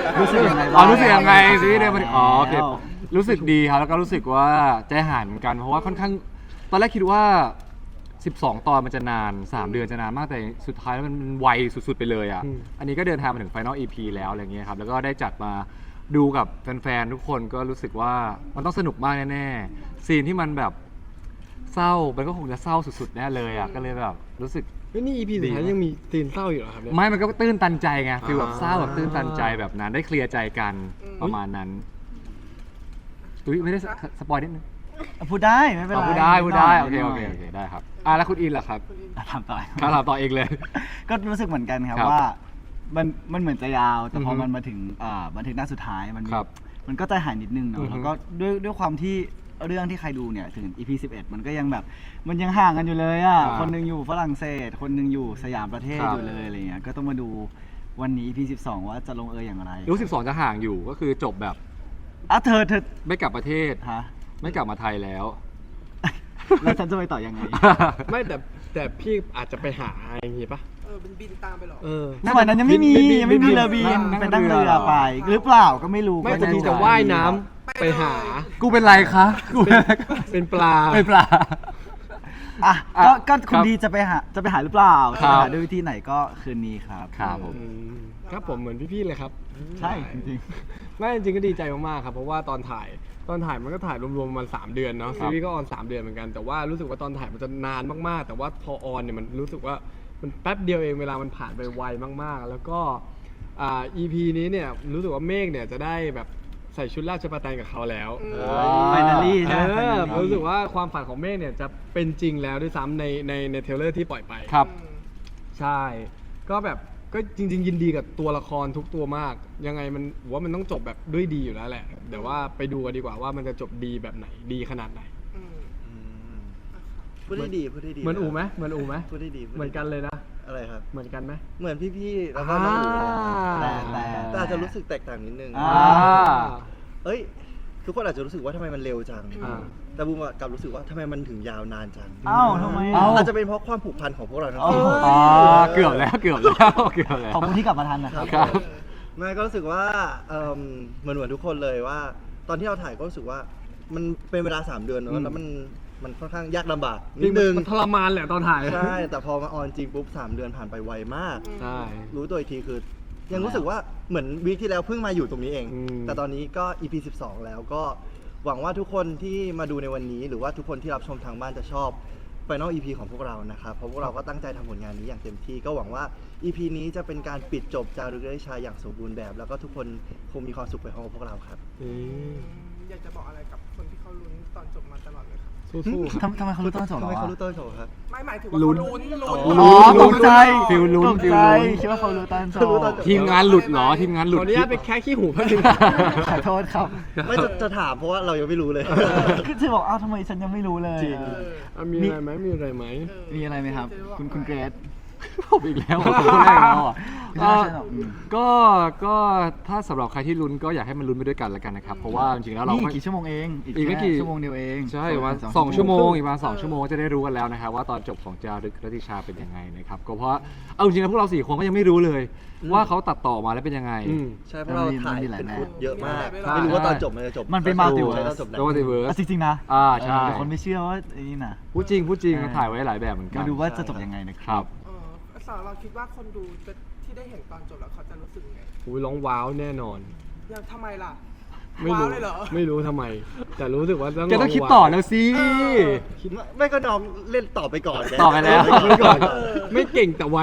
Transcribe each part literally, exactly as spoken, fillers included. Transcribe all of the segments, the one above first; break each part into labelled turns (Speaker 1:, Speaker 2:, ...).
Speaker 1: รู้สึกยังไง
Speaker 2: อ๋
Speaker 1: บ้า
Speaker 2: อง รู้สึกยังไงซีรีส์เดิมมันอ๋อโอเค
Speaker 1: แล้ว
Speaker 2: รู้สึกดีครับแล้วก็รู้สึกว่าใจหายเหมือนกันเพราะว่าค่อนข้างตอนแรกคิดว่าสิบสองตอนมันจะนานสามเดือนจะนานมากแต่สุดท้ายแล้วมันไวสุดๆไปเลยอ่ะอันนี้ก็เดินทางมาถึง Final อี พี แล้วอะไรเงี้ยครับแล้วก็ได้จัดมาดูกับแฟนๆทุกคนก็รู้สึกว่ามันต้องสนุกมากแน่ๆซีนที่มันแบบเศร้ามันก็คงจะเศร้าสุดๆแน่เลยอ่ะก็เลยแบบรู้สึก
Speaker 3: เฮ้ยนี่ อี พี สุดท้ายยังมีซีนเศร้าอยู่เหรอครับเนี่ย
Speaker 2: ไม่มันก็ตื้นตันใจไงฟีลแบบเศร้าแบบ
Speaker 3: อ่า
Speaker 2: ตื้นตันใจแบบนั้นได้เคลียร์ใจกันประมาณนั้นตุ้ยไม่ได้สปอยนิดนึง
Speaker 1: พูดได้ไม่เป็น
Speaker 2: อ๋อ
Speaker 1: ไร
Speaker 2: พูดได้พูดได้โอเค
Speaker 1: นิ
Speaker 2: โอ
Speaker 1: ห
Speaker 2: เค
Speaker 1: น่ย
Speaker 2: โอเคได้ครับอ่ะแล้วคุณอินล่ะครับ
Speaker 1: อ่ะถามต่อ
Speaker 2: คำถามต่อเองเลย
Speaker 1: ก็รู้สึกเหมือนกันครับ
Speaker 2: ครับ
Speaker 1: ว่ามันมันเหมือนจะยาว แต่พอ
Speaker 2: อือฮึ
Speaker 1: มันมาถึงอ่าบันทึกหน้าสุดท้ายมัน
Speaker 2: ครับ
Speaker 1: มันก็ใจหายนิดนึง
Speaker 2: อื
Speaker 1: เนาะ
Speaker 2: อฮึ
Speaker 1: แล้วก็ด้วยด้วยความที่เรื่องที่ใครดูเนี่ยถึง อี พี สิบเอ็ดมันก็ยังแบบมันยังห่างกันอยู่เลยอ่ะ
Speaker 2: อ่า
Speaker 1: คนหนึงอยู่ฝรั่งเศส คนหนึงอยู่สยามประเทศ
Speaker 2: ครับ
Speaker 1: อยู่เลยอะไรเงี้ยก็ต้องมาดูวันนี้ อี พี สิบสอง ว่าจะลงเอยอย่างไร
Speaker 2: รู้สิบสองจะห่างอยู่ก็คือจบแบบ
Speaker 1: อ่ะเธอเธอ
Speaker 2: ไม่กลับประเทศ
Speaker 1: ฮะ
Speaker 2: ไม่กลับมาไทยแล้ว
Speaker 1: แล้วฉันจะไปต่อยังไง
Speaker 3: ไม่แต่แต่พี่อาจจะไปหาอย่างงี้ปะ
Speaker 4: เออเป็นบินตามไปเหรอ
Speaker 3: เออ
Speaker 1: สมัยนั้นยังไม่มี
Speaker 3: บินบิน
Speaker 1: ยังไม่มี
Speaker 3: บิน
Speaker 1: เรือบิน
Speaker 2: นั่ง
Speaker 1: เป็นนั่ง
Speaker 2: เรือ
Speaker 1: เรือไป หรือเปล่าก็ไม่รู้
Speaker 3: ไม่
Speaker 1: ก็
Speaker 3: แต่
Speaker 1: จะ
Speaker 3: พี่จะว่ายน้ำไปหา
Speaker 2: กูเป็นไรคะกูเป็นไร
Speaker 3: เป็นปลา
Speaker 2: เป็นปลา
Speaker 1: อ่ะ
Speaker 2: อ่ะ
Speaker 1: ก็ก็คุ
Speaker 2: ค
Speaker 1: ณ
Speaker 2: รับ
Speaker 1: ดีจะไปหาจะไปหาหรือเปล่า
Speaker 2: ครั
Speaker 1: จะ
Speaker 2: บ
Speaker 1: หาด้วยวิธีไหนก็คืนนี้ครับ
Speaker 2: ครับผม
Speaker 3: อืมครับผมเหมือนพี่ๆเลยครับ
Speaker 1: ใช่จริง
Speaker 3: ไม่จริงๆก็ดีใจมากๆครับเพราะว่าตอนถ่ายตอนถ่ายมันก็ถ่ายรวมๆประมาณสามเดือนเนาะ
Speaker 2: ครั
Speaker 3: ซี
Speaker 2: บ
Speaker 3: รีส์ก็ออนสามเดือนเหมือนกันแต่ว่ารู้สึกว่าตอนถ่ายมันจะนานมากๆ แต่ว่าพอออนเนี่ยมันรู้สึกว่ามันแป๊บเดียวเองเวลามันผ่านไปไวมากๆ แล้วก็อ่า อี พี นี้เนี่ยรู้สึกว่าเมฆเนี่ยจะได้แบบใส่ชุดราชประแตนกับเขาแล้ว
Speaker 1: ๆ Finally ใช่ไหม
Speaker 3: เออ
Speaker 1: Finally
Speaker 3: รู้สึกว่าความฝันของเมฆเนี่ยจะเป็นจริงแล้วด้วยซ้ำในในในเทรลเลอร์ที่ปล่อยไป
Speaker 2: ครับ
Speaker 3: ใช่ ก็แบบก็จริง ๆ ยินดีกับตัวละครทุกตัวมาก ยังไงมันผมว่ามันต้องจบแบบด้วยดีอยู่แล้วแหละเดี๋ยวว่าไปดูกันดีกว่าว่ามันจะจบดีแบบไหนดีขนาดไหน
Speaker 4: อืม
Speaker 5: พูดได้ดีพูดได้ดี
Speaker 3: เหมือนอูไหมเหมือนอูไหม
Speaker 5: พูดได้ดีพูด
Speaker 3: เหมือนกันเลยนะ
Speaker 5: อะไรครับ
Speaker 3: เหมือนกันไหม
Speaker 5: เหมือนพี่ๆแล้วก็น้องอูเลย
Speaker 1: แต่แต่
Speaker 5: แต่อาจจะรู้สึกแตกต่างนิดนึง
Speaker 1: อ่า
Speaker 5: เอ้ย ทุกคนอาจจะรู้สึกว่าทำไมมันเร็วจัง
Speaker 3: อ่า
Speaker 5: แต่บูมอะกลับรู้สึกว่าทำไมมันถึงยาวนานจัง
Speaker 1: เอ้าทำไม
Speaker 2: เอ้า
Speaker 5: อาจจะเป็นเพราะความผูกพันของพวกเราทั้ง
Speaker 1: อ๋อ
Speaker 5: คู่
Speaker 2: อ๋อเกือบแล้วเกือบแล้วเกือบแล้ว
Speaker 1: ขอบคุณที่กลับมาทันนะครับ
Speaker 2: ครับ
Speaker 5: แม่ก็รู้สึกว่าเอิ่มเหมือนเหมือนทุกคนเลยว่า ตอนที่เราถ่ายก็รู้สึกว่ามันเป็นเวลาสามเดือนเน
Speaker 2: อืม
Speaker 5: อะแล้วมันมันค่อนข้างยากลำบาก
Speaker 3: จริ
Speaker 5: นิ
Speaker 3: ง
Speaker 5: ดนึง
Speaker 3: มันทรมานแหละตอนถ่าย
Speaker 5: ใช่ แต่พอมาออนจริงปุ๊บสามเดือนผ่านไปไวมาก
Speaker 3: ใช่
Speaker 5: รู้ตัวอีกทีคือ ยังรู้สึกว่าเหมือนวีคที่แล้วเพิ่งมาอยู่ตรงนี้เอง
Speaker 3: อืม
Speaker 5: แต่ตอนนี้ก็ อี พี สิบสอง แล้วก็หวังว่าทุกคนที่มาดูในวันนี้ หรือว่าทุกคนที่รับชมทางบ้านจะชอบ Final อี พี ของพวกเรานะครับเพราะพวกเราก็ตั้งใจทำผลงานนี้อย่างเต็มที่ ก็หวังว่า อี พี นี้จะเป็นการปิดจบจารึกได้ชายอย่างสมบูรณ์แบบ แล้วก็ทุกคนคงมีความสุขไปพร้อมกับพวกเราครับ
Speaker 3: อืม
Speaker 4: อยากจะบอกอะไรกับคนที่เขาลุ้นตอนจบมาตลอดเลยครับ
Speaker 3: สู้ๆครับ
Speaker 1: ทำทำไมเขารู้ต้นจบ
Speaker 5: ทำ
Speaker 1: เหร
Speaker 5: ไม
Speaker 1: อ
Speaker 5: เขารู้ต้นโชว์ครับ
Speaker 4: ไม่หมายถึงว่า
Speaker 3: ลุ้
Speaker 4: เขา
Speaker 3: น
Speaker 4: ลุ้นลุ้น
Speaker 5: อ๋อ
Speaker 1: อ๋อตกใจ
Speaker 2: ฟิลลุ้น
Speaker 1: ตก
Speaker 2: ฟิล
Speaker 1: ใจ
Speaker 2: ลุ้น
Speaker 1: คิดว่าเขารู้ต้นจ
Speaker 5: เขารู้ต้น
Speaker 1: บ
Speaker 5: จบ
Speaker 2: ทีมงานหลุดเหรอทีมงานห
Speaker 3: ข
Speaker 2: ลุด
Speaker 3: ออนุญาตไปแค่ขี้หูแป๊บนึง
Speaker 1: ขอโทษครับ
Speaker 5: ไม่จะจะถามเพราะว่าเรายังไม่รู้เลย
Speaker 1: คือจะบอกอ้าวทำไมฉันยังไม่รู้เลย
Speaker 5: จริง
Speaker 1: เออ
Speaker 3: อ่ะมีอะไรไหมมีอะไรไหม
Speaker 1: มีอะไรไหมครับ คุณคุณเกรซ
Speaker 2: ผมอีกแล้วผมคนแรกแล้วอ่ะ
Speaker 1: ไม่ใช่ไม่ใช่หรอกอืม
Speaker 2: ก็ก็ถ้าสำหรับใครที่ลุ้นก็อยากให้มันลุ้นไปด้วยกันแล้วกันนะครับ เพราะว่าจริงๆแล้วเรา
Speaker 1: นี่
Speaker 2: ก็
Speaker 1: กี่ชั่วโมงเอง
Speaker 2: อีกไม่
Speaker 1: แค่
Speaker 2: กี่
Speaker 1: ชั่วโมงเดียวเอง
Speaker 2: ใช่ประมาณสองชั่วโมงอีกประมาณสองชั่วโมงจะได้รู้กันแล้วนะครับว่าตอนจบของจารึกรัตติชาเป็นยังไงนะครับก็เพราะเอาจริงๆแล้วพวกเราสี่คนก็ยังไม่รู้เลย ว่าเขาตัดต่อมาแล้วเป็นยังไง
Speaker 3: อืม
Speaker 5: ใช่เพราะเราถ่ายเป็นฟุตเยอะมาก
Speaker 4: ใช่
Speaker 5: ไม่รู้ว่าตอนจบมันจะจบ
Speaker 1: มันเป็นมัลติเวิร์
Speaker 5: ใช่
Speaker 1: ส
Speaker 5: ตอนจบไหน
Speaker 2: โดติเวิร์
Speaker 1: อ่ะ
Speaker 2: ส
Speaker 1: จริงๆนะ
Speaker 2: อ่าใช่
Speaker 1: เออคนไม่เชื่อว่าไอ้นี่นะ
Speaker 2: พูดจริงพูดจริง
Speaker 1: ใช่
Speaker 2: ถ่ายไว้หลายแบบเหมือนกัน
Speaker 1: มาดูว่าจะจบยังไงนะค
Speaker 2: ครับ รับ
Speaker 4: เออสาวเราคิดว่าคนดูจะที่ได้เห็นตอนจบแล้วเขาจะรู้สึกไง
Speaker 3: อุ้ยร้องว้าวแน่นอน
Speaker 4: อย่างทำไมล่ะ
Speaker 3: ไม่
Speaker 4: ว้า
Speaker 3: รู้
Speaker 4: วเลยเหรอ
Speaker 3: ไม่รู้ทำไม แต่รู้สึกว่าต้อง
Speaker 2: แกต้องคิด
Speaker 3: ร้
Speaker 2: ต่อ
Speaker 3: ว้าว
Speaker 2: แล้วสิ
Speaker 5: ไม่ไม่ก็น้องเล่นต่อไปก่อนไง
Speaker 2: ต่อไปแล้ว
Speaker 3: ไม่ก่อนไม่เก่งแต่ไว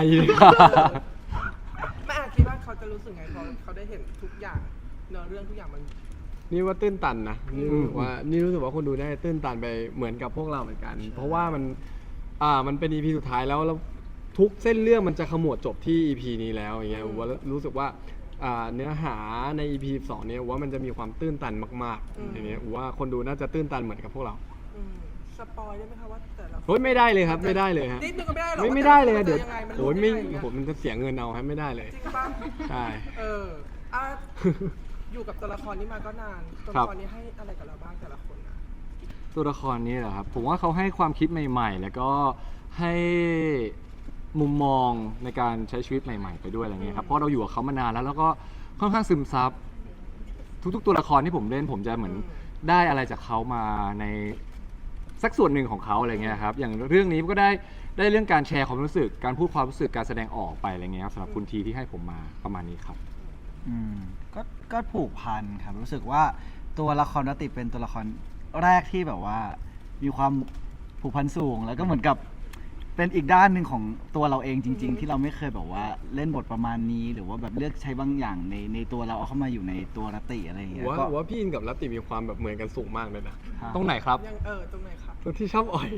Speaker 4: แม่อาจคิดว่าเขาจะรู้สึกไงพอเขาได้เห็นทุกอย่างเนื้อเรื่องทุกอย่างมัน
Speaker 3: นี่ว่าตื้นตันนะนี่รู้สึก
Speaker 2: อืม
Speaker 3: ว่านี่รู้สึกว่าคนดูได้ตื้นตันไปเหมือนกับพวกเราเหมือนกัน เพราะว่ามันอ่ามันเป็น อี พี สุดท้ายแล้วแล้วทุกเส้นเรื่องมันจะขมวดจบที่ อี พี นี้แล้วอย่างเงี้ยผมว่ารู้สึกว่าอ่าเนื้อหาใน อี พี สองเนี่ยว่ามันจะมีความตื้นตันมาก
Speaker 4: อืม
Speaker 3: ๆอย่างเงี้ยผมว่าคนดูน่าจะตื้นตันเหมือนกับพวกเรา
Speaker 4: อืมสปอยได้ไหมคะว่าแต่ละ
Speaker 3: เฮ้ยไม่ได้เลยครับไม่ได้เลยฮะ
Speaker 4: นิดนึงก็ไม่ได้หรอ
Speaker 3: ไม่
Speaker 4: ว่า
Speaker 3: ไม่ได้เลย
Speaker 4: แต่ะ
Speaker 3: เดี๋ยว
Speaker 4: คนจะงไงมัน
Speaker 3: โอ้ย
Speaker 4: รู้
Speaker 3: ไม่
Speaker 4: ด้ง
Speaker 3: ผมมันจะเสียเงินเอาครับไม่ได้เลย
Speaker 4: จริงปะ
Speaker 3: ใช่
Speaker 4: เอออ่ะอยู่กับตัวละครนี้มาก็นานตัว
Speaker 2: ครั
Speaker 4: ละ
Speaker 2: บ
Speaker 4: ครนี้ให้อะไรกับเราบ้างแต่ละคนนะ
Speaker 2: ตัวละครนี้เหรอครับผมว่าเขาให้ความคิดใหม่ ๆ แล้วก็ให้มุมมองในการใช้ชีวิตใหม่ ๆ ไปด้วยอะไรเงี้ยครับเพราะเราอยู่กับเขามานานแล้วแล้วก็ค่อนข้างซึมซับทุกๆตัวละครที่ผมเล่นผมจะเหมือนได้อะไรจากเขามาในสักส่วนหนึ่งของเขาอะไรเงี้ยครับอย่างเรื่องนี้ก็ได้ได้เรื่องการแชร์ความรู้สึกการพูดความรู้สึกการแสดงออกไปอะไรเงี้ยครับสำหรับคุณทีที่ให้ผมมาประมาณนี้ครับ
Speaker 1: อืมก็ก็ผูกพันครับรู้สึกว่าตัวละครนติเป็นตัวละครแรกที่แบบว่ามีความผูกพันสูง แล้วก็เหมือนกับเป็นอีกด้านหนึ่งของตัวเราเองจริง ๆ ที่เราไม่เคยแบบว่าเล่นบทประมาณนี้ หรือว่าแบบเลือกใช้บางอย่างในในตัวเราเอาเข้ามาอยู่ในตัวนติอะไรอย่างเงี้ย
Speaker 3: ว่า
Speaker 1: ก็
Speaker 3: ว่าพี่อินกับรัตติมีความแบบเหมือนกันสูงมากเลยนะ
Speaker 2: ตรงไหนครับ
Speaker 4: ยังเออตรงไหนครับ
Speaker 3: ตรงที่ชอบอ่อย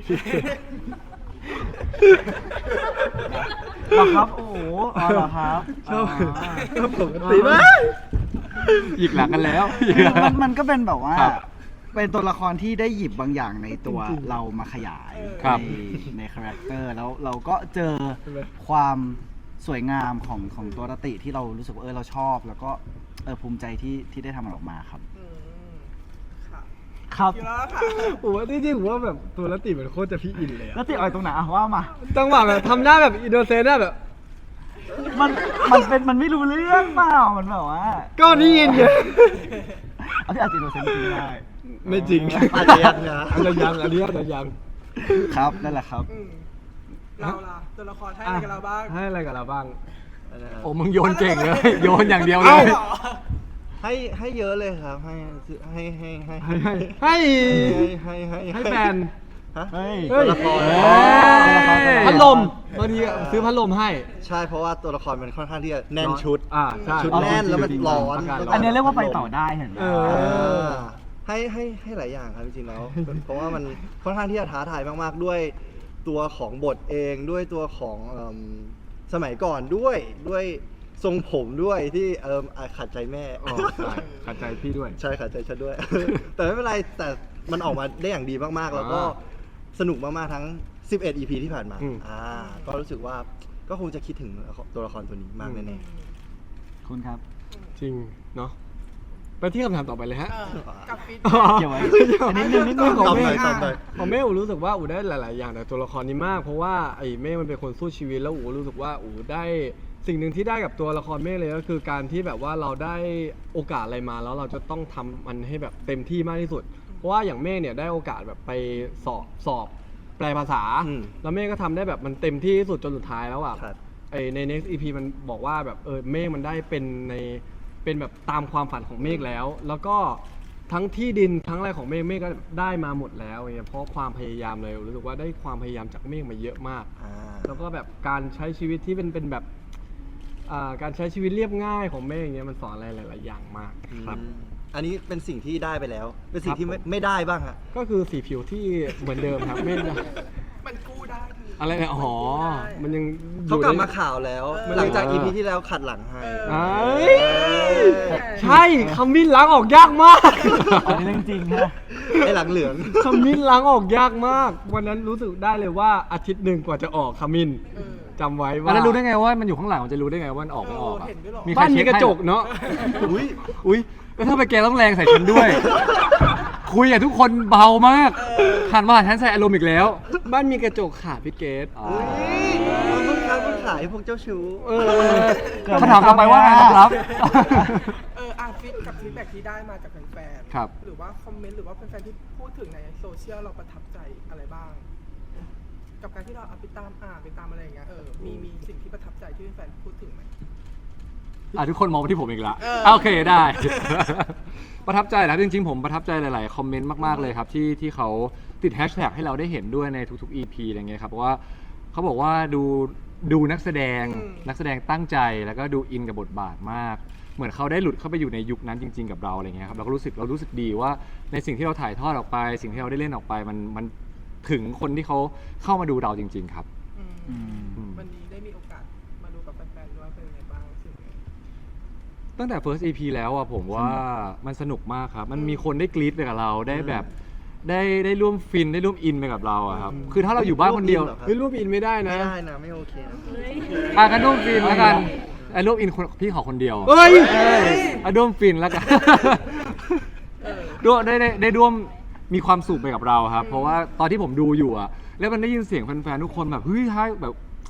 Speaker 1: เหรอครับโอ้โหอ๋อเหรอครับ
Speaker 3: ชอบ
Speaker 1: อ๋อ
Speaker 3: ปกติมาก
Speaker 2: หยิกหลังกันแล้ว
Speaker 1: มันมันก็เป็นแบบว่า
Speaker 2: ครับ
Speaker 1: เป็นตัวละครที่ได้หยิบบางอย่างในตัวเรามาขยาย
Speaker 2: ครับ
Speaker 1: ในในคาแรคเตอร์แล้วเราก็เจอ
Speaker 3: ใช่ไหม
Speaker 1: ความสวยงามของของตัวรติที่เรารู้สึกว่าเออเราชอบ แล้วก็เออภูมิใจที่ที่ได้ทำมันออกมาครับ
Speaker 4: อืมค่ะ
Speaker 1: ครับ
Speaker 4: คิดแล้วค่ะ
Speaker 3: ผมว่าจริงๆผมว่าแบบตัวรัตติมันโคตรจะพี่อินเลย
Speaker 1: ร
Speaker 3: อะ
Speaker 1: ติอ่อยตรงไหนอะว่ามา
Speaker 3: จังหวะแบบทำหน้าแบบอินโนเซนต์อะแบบ
Speaker 1: มันมันเป็นมันไม่รู้เรื่องเปล่ามันแบบว่า
Speaker 3: ก็นี่อินไง
Speaker 1: เอาที่อาจจะโดนเซนจริงได้
Speaker 3: ไม่จริง
Speaker 5: อาจจะยังนะ
Speaker 3: อาจจะยังอันนี้อาจจะยัง
Speaker 1: ครับนั่นแหละครับ
Speaker 4: อืมเราล่ะตัวละครให้อะไรกับเราบ้าง
Speaker 3: ให้อะไรกับเราบ้าง
Speaker 2: โอ้มึงโยนเก่งเลย โยนอย่างเดียวเล
Speaker 3: เอ้า
Speaker 2: ย
Speaker 4: เหรอ
Speaker 5: ให้ให้เยอะเลยครับ ให้ให้ให้ให้
Speaker 3: ให้ให้ให้
Speaker 5: ให้ให้
Speaker 3: ให้แฟน
Speaker 5: ฮะ
Speaker 1: เฮ้ย
Speaker 5: ตัวละคร
Speaker 2: เฮ้ย
Speaker 3: พัดลมบางทีซื้อพัดลมให้
Speaker 5: ใช่เพราะว่าตัวละครมันค่อนข้างที่จะแน่นชุด
Speaker 3: อ่าใช่
Speaker 5: ชุดแน่นแล้วมันร้อน
Speaker 3: ากาศ
Speaker 1: อันนี้เรียกว่าไปต่อได้เห็นไหม
Speaker 3: เอ
Speaker 5: เอ
Speaker 3: อ
Speaker 5: อให้ให้ให้หลายอย่างครับจริงๆแล้ว เพราะว่ามันค่อนข้างที่จะท้าทายมากๆด้วยตัวของบทเองด้วยตัวของเอิ่มสมัยก่อนด้วยด้วยทรงผมด้วยที่เอออ่ะขัดใจแม่
Speaker 3: อ๋อใช่ขัดใจพี่ด้วย
Speaker 5: ใช่ขัดใจฉันด้วย แต่ไม่เป็นไรแต่มันออกมาได้อย่างดีมากๆ แล้วก็
Speaker 3: อ่า
Speaker 5: สนุกมากๆทั้งสิบเอ็ด อี พี ที่ผ่านมา
Speaker 3: อืม
Speaker 5: อ่าก็รู้สึกว่าก็คงจะคิดถึงตัวละครตัวนี้มากแน่
Speaker 1: คุณครับ
Speaker 3: จริงเนาะไปที่คำถามต่อไปเลยฮะ
Speaker 4: เออกับฟีด
Speaker 1: เกี่ยวไว้อันนิดนึงนิดนึง
Speaker 5: ๆ
Speaker 1: ของ
Speaker 5: ตอบ
Speaker 1: เม
Speaker 5: หน่อย
Speaker 1: ฆ
Speaker 5: ตอบหน่อย
Speaker 3: ของเมฆอูรู้สึกว่าอูได้หลาย ๆ อย่างแต่ตัวละครนี้มาก เพราะว่าไอ้เมฆมันเป็นคนสู้ชีวิตแล้วอูรู้สึกว่าอูได้สิ่งหนึ่งที่ได้กับตัวละครเมฆเลยก็คือการที่แบบว่าเราได้โอกาสอะไรมาแล้วเราจะต้องทำมันให้แบบเต็มที่มากที่สุด เพราะว่าอย่างเมฆเนี่ยได้โอกาสแบบไปสอบสอบแปลภาษา
Speaker 5: อืม
Speaker 3: แล้วเมฆก็ทำได้แบบมันเต็มที่ที่สุดจนสุดท้ายแล้วอ่ะ
Speaker 5: ครับ
Speaker 3: ไอใน next อี พี มันบอกว่าแบบเออเมฆมันได้เป็นในเป็นแบบตามความฝันของเมฆแล้ว แล้วก็ทั้งที่ดินทั้งอะไรของเมฆเมฆก็ได้มาหมดแล้วอย่างเงี้ยเพราะความพยายามเลยรู้สึกว่าได้ความพยายามจากเมฆมาเยอะมาก
Speaker 5: อ่า
Speaker 3: แล้วก็แบบการใช้ชีวิตที่เป็นเป็นแบบอ่าการใช้ชีวิตเรียบง่ายของเมฆอย่างเงี้ยมันสอนอะไรหลาย ๆ อย่างมากครับ
Speaker 5: อันนี้เป็นสิ่งที่ได้ไปแล้ว เป็นสิ่
Speaker 3: ค
Speaker 5: ง
Speaker 3: รับ
Speaker 5: ที่ไม่
Speaker 3: ผม
Speaker 5: ไม่ได้บ้างฮะ
Speaker 3: ก็คือสีผิวที่เหมือนเดิมครับเมฆ
Speaker 4: มันกู้ได้ดี
Speaker 3: อะไรเนี่ยอ๋อมันยังอยู่
Speaker 5: เขากลับ
Speaker 3: ใน
Speaker 5: มาข่าวแล้ว
Speaker 4: เออ
Speaker 5: หลังจาก อี พี ที่แล้วขัดหลังให้
Speaker 4: เออ
Speaker 3: เอ้ยใช่ขมิ้นล้างออกยากมาก
Speaker 1: อันนี้เรื่องจริงฮะ
Speaker 5: ไอ้หลังเหลือง
Speaker 3: ขมิ้นล้างออกยากมาก วันนั้นรู้สึกได้เลยว่าอาทิตย์หนึ่งกว่าจะออกขมิ้น
Speaker 4: เออ
Speaker 3: จำไว้
Speaker 2: อัน
Speaker 3: ว่า
Speaker 2: นั้นรู้ได้ไงว่ามันอยู่ข้างหลังมันจะรู้ได้ไงว่ามันออกไม่ออกอะ
Speaker 4: เห็นด้วยเหรอ
Speaker 2: มีใคร
Speaker 3: บ้านมี
Speaker 2: เช็ค
Speaker 3: กระ
Speaker 2: ให้
Speaker 3: จกเนาะ
Speaker 5: อุ้ย
Speaker 2: อุ้ยแล้วถ้าไปแกต้องแรงใส่ฉันด้วย คุยกับทุกคนเบามากหันมาหาฉันใส่อารมณ์อีกแล้ว
Speaker 3: บ้านมีกระจกค่ะพี่เกด
Speaker 2: อ๋อ
Speaker 5: เพิ่งค้าเพิ่งขายพวกเจ้าชู้
Speaker 3: เออ
Speaker 2: คำถามต่อไปว่าไงครับ
Speaker 4: เอออ่ะฟีดกับฟีดแบ็กที่ได้มาจากแฟนๆ
Speaker 2: ครับ
Speaker 4: หรือว่าคอมเมนต์หรือว่าแฟนๆที่พูดถึงในโซเชียลเราประทับใจอะไรบ้าง กับการที่เราเอาไปตามอ่านไปตามอะไรอย่างเงี้ยเออมีมีสิ่งที่ประทับใจที่แฟนๆพูดถึงไหม
Speaker 2: อ่ะทุกคนมองมาที่ผมอีกละ
Speaker 4: เออ
Speaker 2: อ่ะโอเคได้ ประทับใจนะครับจริงๆผมประทับใจหลายๆคอมเมนต์มากๆเลยครับที่ที่เขาติดแฮชแท็กให้เราได้เห็นด้วยในทุกๆ อี พี อะไรเงี้ยครับเพราะว่าเขาบอกว่าดูดูนักแสดง
Speaker 4: อืม
Speaker 2: นักแสดงตั้งใจแล้วก็ดูอินกับบทบาทมาก เหมือนเขาได้หลุดเข้าไปอยู่ในยุคนั้นจริง ๆ กับเราอะไรเงี้ยครับเราก็รู้สึกเรารู้สึกดีว่าในสิ่งที่เราถ่ายทอดออกไป สิ่งที่เราได้เล่นออกไปมันมันถึงคนที่เขาเข้ามาดูเราจริง ๆ ครับ
Speaker 4: อืม
Speaker 1: อืม
Speaker 2: อืม
Speaker 4: วันนี้ได้มีโอกาสมาดูกับแฟนๆด้วยเป็นยังไงบ้างรู้สึกไง
Speaker 2: ตั้งแต่ first อี พี แล้วอะผมว่ามันสนุกมากครับ มันมีคนได้กรี๊ดไปกับเราได้แบบได้ได้ร่วมฟินได้ร่วมอินไปกับเราอะครับ คือถ้าเราอยู่บ้านคนเดียว
Speaker 5: ร่วมอินเหรอ
Speaker 3: เฮ้ยรูปอินไม่ได้นะ
Speaker 5: ไม่ได้นะ ไม่โอเคนะ
Speaker 2: อ่ะกันร่วมฟินแล้วกันไอ้ร่วมอินคนพี่ขอคนเดียว
Speaker 3: เฮ้ย
Speaker 2: อ่ะร่วมฟินแล้วกันร่วมได้ได้ได้ร่วมมีความสุขไปกับเราครับ เพราะว่าตอนที่ผมดูอยู่อะแล้วมันได้ยินเสียงแฟนๆทุกคนแบบเฮ้ยท้ายแบบ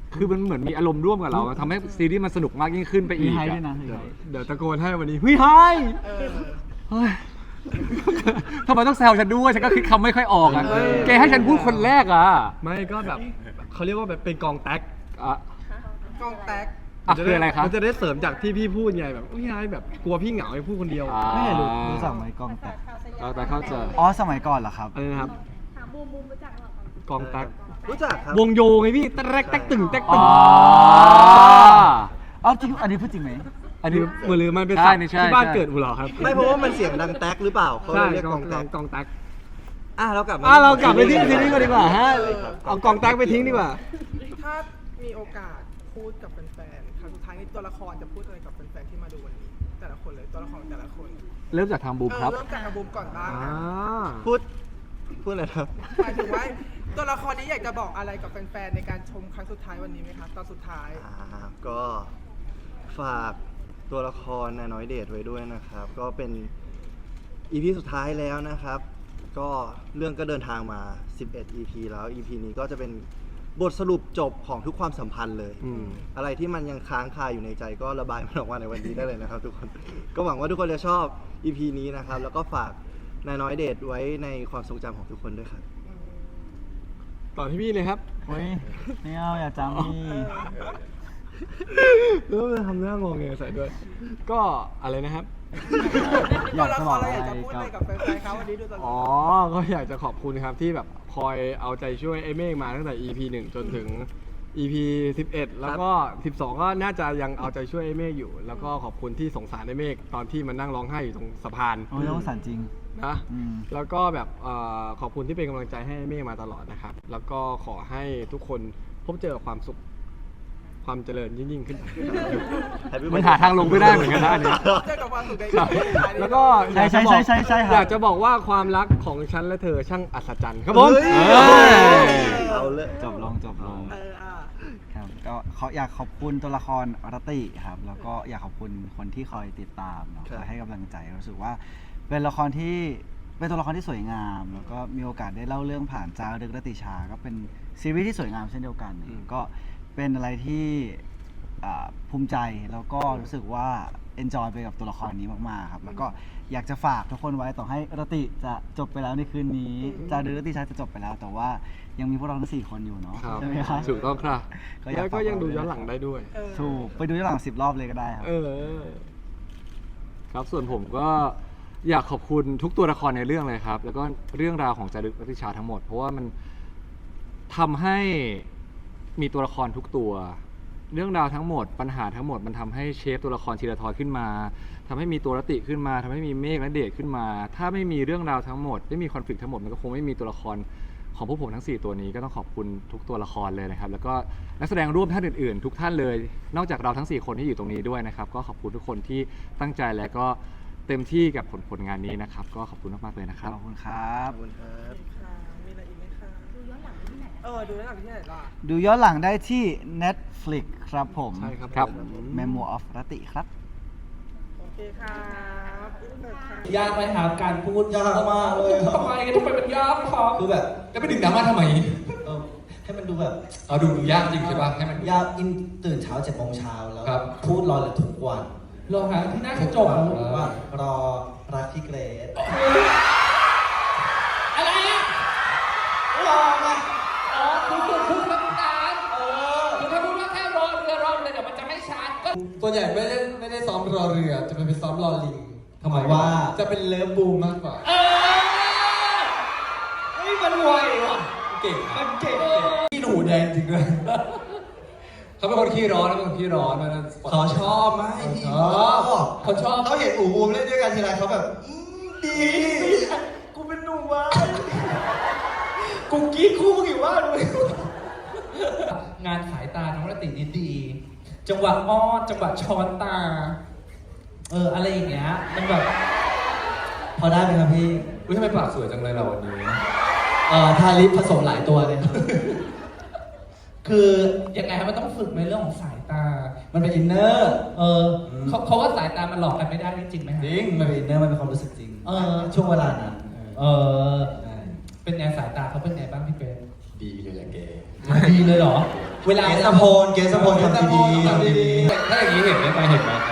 Speaker 2: คือมันเหมือนมีอารมณ์ร่วมกับเราทำให้ซีรีส์มันสนุกมากยิ่งขึ้นไป
Speaker 1: มี
Speaker 2: อีก
Speaker 1: ไฮ
Speaker 2: อะ
Speaker 1: ด้วยนะมี
Speaker 3: เดี๋ยว
Speaker 1: ไฮ
Speaker 3: เดี๋ยวตะโกนให้วันนี้เฮ้ยไฮ
Speaker 4: เออ
Speaker 2: เฮ้ยทำไมต้องแซวฉันด้วยฉันก็คิดคำไม่ค่อยออกอ่ะ
Speaker 3: เออ
Speaker 2: แกให้ฉันพูดคนแรกอ่ะ
Speaker 3: ไม่ก็แบบเขาเรียกว่าแบบเป็นกองแท็ก
Speaker 2: อ่ะ
Speaker 4: กองแตก
Speaker 2: อ่ะคืออะไรครับ
Speaker 3: มันจะได้เสริมจากที่พี่พูดไงแบบอุ้ยไฮแบบกลัวพี่เหงาให้พูดคนเดียว
Speaker 2: อ่า
Speaker 3: ไม่รู้
Speaker 1: รู้จักไหมกองแตก
Speaker 2: เราแต่เข้าใจ
Speaker 1: อ๋อสมัยก่อนเหรอครับ
Speaker 3: อะไรนะครับ
Speaker 6: ถามบูมบูมรู้จักหรอก
Speaker 3: องแท็ก
Speaker 5: รู้จักครับ
Speaker 3: วงโยไงพี่แต๊กแต๊กตึงแต๊กตึ
Speaker 2: อ๋
Speaker 3: ง
Speaker 2: อ
Speaker 1: อ๋อจริงอันนี้พูดจริงไหม
Speaker 3: อันนี้มือหรือมันเป็น
Speaker 2: ใช่
Speaker 3: ศัพท์
Speaker 2: นี่ใช่
Speaker 3: ที่บ้าน
Speaker 2: ใช่
Speaker 3: เกิดอุเหรอครับ
Speaker 5: ไม่เพราะว่ามันเสียงดังแท็กหรือเปล่าเขาเล
Speaker 3: ใช่
Speaker 5: ยเรียก
Speaker 3: ก
Speaker 5: ก
Speaker 3: อ
Speaker 5: อง ง
Speaker 3: ก
Speaker 5: แท็
Speaker 3: อง
Speaker 5: ก
Speaker 3: กองแท็ก
Speaker 5: อ่ะเรากลับมา
Speaker 3: อ่ะเรากลับไปที่ซีรีส์กันดีกว่าฮะเอากองแท็กไปทิ้งดีกว่า
Speaker 4: ถ้ามีโอกาสพูดกับแฟนๆครั้งสุดท้ายนี้ตัวละครจะพูดอะไรกับแฟนๆที่มาดูวันนี้ แต่ละคนเลยตัวละครแต่ละคน
Speaker 2: เริ่มจากทางบูม
Speaker 4: เออ
Speaker 2: ครับ
Speaker 4: เริ่มจากอาบูมก่อนบ้าง
Speaker 3: อ่า
Speaker 4: นะ
Speaker 5: พูดพูดอะไรครับ
Speaker 4: หมายถึงว่าตัวละครนี้อยากจะบอกอะไรกับแฟนๆในการชมครั้งสุดท้ายวันนี้ไหมคะตอนสุดท้าย
Speaker 5: อ่าก็ฝากตัวละครนายน้อยเดชไว้ด้วยนะครับ ก็เป็นอีพีสุดท้ายแล้วนะครับ ก็เรื่องก็เดินทางมา สิบเอ็ด อี พี แล้ว อี พี นี้ก็จะเป็นบทสรุปจบของทุกความสัมพันธ์เลย
Speaker 3: อืม
Speaker 5: อะไรที่มันยังค้างคาอยู่ในใจก็ระบายมันออกมาในวันนี้ได้เลยนะครับ ทุกคน ก็หวังว่าทุกคนจะชอบ อี พี นี้นะครับ แล้วก็ฝากนายน้อยเดชไว้ในความทรงจำของทุกคนด้วยครับ
Speaker 3: ต่อที่พี่เลยครับ
Speaker 1: เฮ้ยไม่เอาอย่าจำนี่
Speaker 3: แล้วมันทำหน้างงเงยใส่ด้วย ก็อะไรนะครับ
Speaker 1: อยากจะบอก
Speaker 4: ตัวละครเรา
Speaker 1: อะไร
Speaker 4: อยากจะพูดอะไรกับแฟนๆเขาวันนี้ดูตลอด
Speaker 3: อ๋อ ก็อยากจะขอบคุณครับที่แบบคอยเอาใจช่วยไอ้เมฆมาตั้งแต่ อี พี หนึ่งจนถึง อี พี สิบเอ็ด แล้วก็ สิบสอง ก็น่าจะยังเอาใจช่วยไอ้เมฆอยู่ แล้วก็ขอบคุณที่สงสารไอ้เมฆตอนที่มันนั่งร้องไห้อยู่ตรงสะพาน
Speaker 1: โอ้ยต้องสารจริง
Speaker 3: นะ
Speaker 1: อืม
Speaker 3: แล้วก็แบบเอ่อขอบคุณที่เป็นกำลังใจให้ไอ้เมฆมาตลอดนะครับ แล้วก็ขอให้ทุกคนพบเจอกับความสุข ความเจริญยิ่งๆขึ้นไป
Speaker 5: Happy
Speaker 2: มันหาทางลงไม่ได้เหมือนกันนะอันเนี้ย
Speaker 4: เจอกับความสุขในอีพีสุดท้ายนี้
Speaker 3: แล้วก็
Speaker 1: ใช่ใช่ใช่ใช่ใช่ครับ
Speaker 3: อยากจะบอกว่าความรักของฉันและเธอช่างอัศจรรย์ครับผม
Speaker 5: เฮ้ย
Speaker 2: เอ้ย
Speaker 5: เอาเลย
Speaker 1: จบลงจบลง
Speaker 4: เอออ่ะ
Speaker 1: ครับก็เขาอยากขอบคุณตัวละครอรติครับ แล้วก็อยากขอบคุณคนที่คอยติดตามเนาะ
Speaker 5: ครับ
Speaker 1: คอยให้กำลังใจรู้สึกว่า เป็นละครที่เป็นตัวละครที่สวยงาม แล้วก็มีโอกาสได้เล่าเรื่องผ่านจารึกรติชา ก็เป็นซีรีส์ที่สวยงามเช่นเดียวกัน
Speaker 3: อืม
Speaker 1: ก็เป็นอะไรที่อ่าภูมิใจแล้วก็รู้สึกว่า enjoy ไปกับตัวละครนี้มากๆครับ แล้วก็อยากจะฝากทุกคนไว้ต่อให้รติจะจบไปแล้วในคืนนี้จารึกรติชาจะจบไปแล้ว แต่ว่ายังมีพวกเราทั้งสี่คนอยู่เนาะ
Speaker 3: ครับ
Speaker 1: ใช่ไหมครับ
Speaker 2: ถูกต้องครับ
Speaker 1: อ
Speaker 3: แล้ว
Speaker 1: ฝา
Speaker 3: ก็ยังดู
Speaker 1: ไว้
Speaker 3: ย้อนหลังได้ด้วย
Speaker 4: เออ
Speaker 1: ถูกไปดูย้อนหลังสิบรอบเลยก็ได้ครับ
Speaker 3: เออ
Speaker 2: ครับส่วนผมก็อยากขอบคุณทุกตัวละครในเรื่องเลยครับ แล้วก็เรื่องราวของจารึกรัติชาทั้งหมด เพราะว่ามันทำให้มีตัวละครทุกตัว เรื่องราวทั้งหมดปัญหาทั้งหมดมันทำให้เชฟตัวละครธีรทรขึ้นมาทำให้มีตัวรติขึ้นมาทำให้มีเมฆและเดชขึ้นมา ถ้าไม่มีเรื่องราวทั้งหมดไม่มีคอนฟ lict ทั้งหมดมันก็คงไม่มีตัวละครของพวกผมทั้งสี่ตัวนี้ก็ต้องขอบคุณทุกตัวละครเลยนะครับ แล้วก็นักแสดงร่วมท่านอื่นๆ ทุกท่านเลย นอกจากเราทั้งสี่คนที่อยู่ตรงนี้ด้วยนะครับ ก็ขอบคุณทุกคนที่ตั้งใจและก็เต็มที่กับผลผลงานนี้นะครับ ก็ขอบคุณมากๆเลยนะครับ
Speaker 1: ขอบคุณครับ
Speaker 5: ขอบคุณครับ
Speaker 4: ค่ะมีอะไรอีกไหมคะ
Speaker 6: ดูย้อนหลังได้ที่ไหน
Speaker 4: เออ ดูได้หลังที่ไหนล่ะ
Speaker 1: ดูย้อนหลังได้ที่ Netflix ครับผม
Speaker 3: ใช่ครับ
Speaker 2: ครับ
Speaker 3: ผม
Speaker 1: Memo of รติครับ
Speaker 4: โอเคครับอินเตอร์ค่ะ
Speaker 7: ยากไหมครับการพูด
Speaker 5: ยากมากเลยครับ
Speaker 7: ทำไมทำไมมันยากครับ
Speaker 8: คือแบบ
Speaker 7: แล้วไปดึงดราม่าทำไม
Speaker 8: เออให้มันดูแบบ
Speaker 7: เอาดูดูยากจริงใช่ป่ะให้มัน
Speaker 8: ยากอินตื่นเช้าเจ็ดโมงเช้าแล้ว
Speaker 7: ครับ
Speaker 8: พูดรอเลยทุกวัน
Speaker 7: รอหาที่หน้ากระจก
Speaker 8: ทุกวันรอรักพี่เกรซ
Speaker 7: อะไรอ่ะ
Speaker 8: รอไง
Speaker 7: อ๋อคือคือพูดแล้วตามเออคือถ้าพูดว่าแค่รอเรือรอเรือเดี๋ยวมันจะไม่ชัดก็
Speaker 9: ส่วนใหญ่ไม่ได้ไม่ได้ซ้อมรอเรือ จะเป็นไปซ้อมรอลิง
Speaker 8: ทำไมว่า
Speaker 9: จะเป็นเลิฟบูมมากกว่า
Speaker 7: เออ
Speaker 8: เฮ้ยมันไวว่ะ
Speaker 9: เก่ง
Speaker 8: มันเก่งพี่หูแดงจริงด้วย
Speaker 9: เขาเป็นคนขี้ร้อนนะเป็นคนขี้ร้อนนะ
Speaker 8: เขาชอบไหมพี่
Speaker 9: ชอบเขาชอบ
Speaker 8: เขาเห็นอูบูมเล่นด้วยกันทีไรเขาแบบอืมดี กูเป็นหนุ่มวะกูกรีดคู่มึงอยู่ว่าดู
Speaker 7: งานขายตาน้องรตินี่ดี จังหวะอ้อนจังหวะช้อนตา เอออะไรอย่างเงี้ยมันแบบ
Speaker 8: พอได้ไหมครับพี่
Speaker 9: อุ้ยทำไมปากสวยจังเลยเราวันนี้
Speaker 8: เอ่อทาลิปผสมหลายตัวเลยครับ คือ
Speaker 7: ยังไงครับมันต้องฝึกในเรื่องของสายตา
Speaker 8: มันเป็นอินเนอร์
Speaker 7: เออเขาเขาว่าสายตามันหลอกกันไม่ได้จริงไหมฮะ
Speaker 8: จริง มันเป็นอินเนอร์ มันเป็นความรู้สึกจริง
Speaker 7: เออ
Speaker 8: ช่วงเวลานั้น
Speaker 7: เออ
Speaker 8: ใช่
Speaker 7: เป็นไงสายตาเขาเป็นไงบ้างพี่เป๊
Speaker 9: ดีเลยแหละแก
Speaker 7: ดีเลยเหรอ
Speaker 9: เ
Speaker 7: เวลา
Speaker 8: เกสพลเกสพลทำดีๆทำดี
Speaker 2: ถ้าอย่างนี้เห็นไหมไปเห็นไหมครับ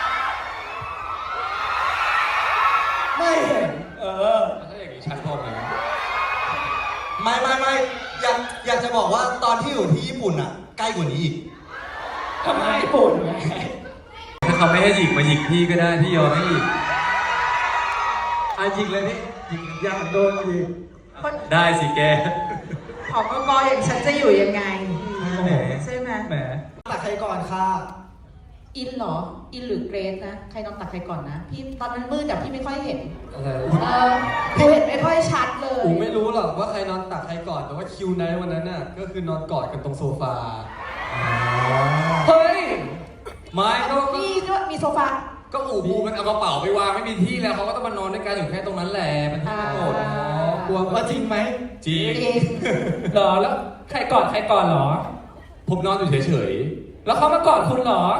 Speaker 8: ไม่เห็น
Speaker 7: เออ
Speaker 2: ถ้าอย่างนี้ชัดพอไหม
Speaker 8: ไม่ไม่ไม่อยากอยากจะบอกว่าตอนที่อยู่ที่ญี่ปุ่นอ่ะ ใกล้กว่านี้อีก
Speaker 7: ทำไมปุ่นไง
Speaker 2: ถ้าเขาไม่ให้หยิกมาหยิกพี่ก็ได้พี่ยอมให้หยิก
Speaker 3: อ่ะยิงเลยนี่ยิงอยากโดนยิง
Speaker 2: ได้สิแก
Speaker 10: ผอกกอย่างฉันจะอยู่ยังไง
Speaker 7: แหม
Speaker 10: ใช่ไหม
Speaker 7: แหม
Speaker 8: ตักใครก่อนค่ะ
Speaker 10: อินเหรอ อินหรือเกรซนะ ใครนอนตักใครก่อนนะ พี่ตอนนั้นมืดแต่พี่ไม่ค่อยเห็น
Speaker 9: อะไร
Speaker 10: เออพี่เห็นไม่ค่อยชัดเลย
Speaker 9: อูไม่รู้หรอกว่าใครนอนตักใครก่อน แต่ว่าคิวไนท์วันนั้นน่ะก็คือนอนกอดกันตรงโซฟา
Speaker 7: เฮ้ย
Speaker 2: ไม่ก็
Speaker 10: มีด้วยมีโซฟา
Speaker 2: ก็อู่บูมันเอากระเป๋าไปวางไม่มีที่แล้วเขาก็ต้องมานอนด้วยกันอยู่แค่ตรงนั้นแหละเป็นที่โกรธ
Speaker 10: อ่า
Speaker 9: กลัวว่าจริงไหม
Speaker 2: จริง
Speaker 10: จริง
Speaker 7: เหรอแล้วใครก่อนใครก่อนเหรอ
Speaker 2: ผมนอนอยู่เฉย
Speaker 7: แล้วเขามากอดคุณเหรอ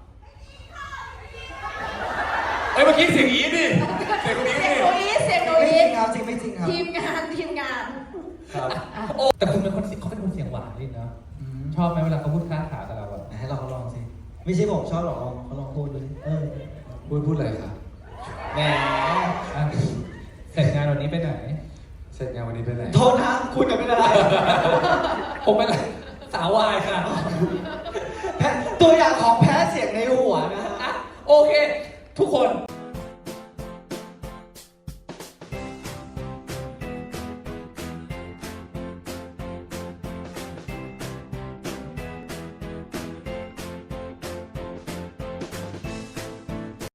Speaker 2: ๆเอ้ยเมื่อกี้เสียงอีดิเสียงคนนี้
Speaker 10: เสียง
Speaker 2: ดิ
Speaker 10: โนอีสเสียงโน
Speaker 8: ไม่
Speaker 10: อี
Speaker 8: จริ
Speaker 10: ส
Speaker 8: งครับจริงไม่จริงครับ
Speaker 10: ทีมงานทีมงาน
Speaker 9: ครับ
Speaker 7: โอ้แต่คุณเป็นคนเสียงเขาเป็นคนเสียงหวานนี่นะชอบไหมเวลาเขาพูดค้าขากับเราอะ
Speaker 8: ให้เราเขาลองสิ ไม่ใช่ผมชอบหรอกลองเขาลองพูดดูสิเออ
Speaker 9: พูดพูดอะไรครับ
Speaker 8: แหม
Speaker 7: อ่ะเสร็จงานวันนี้ไปไหน
Speaker 9: เสร็จงานวันนี้เป็นไร
Speaker 8: โทษนะคุณจะเป็นอะไร
Speaker 7: ผมเป็นสาววายค่ะ
Speaker 8: แพ้ตัวอย่างของแพ้เสียงในหัวนะฮะ
Speaker 7: อ่ะโอเค ทุกคน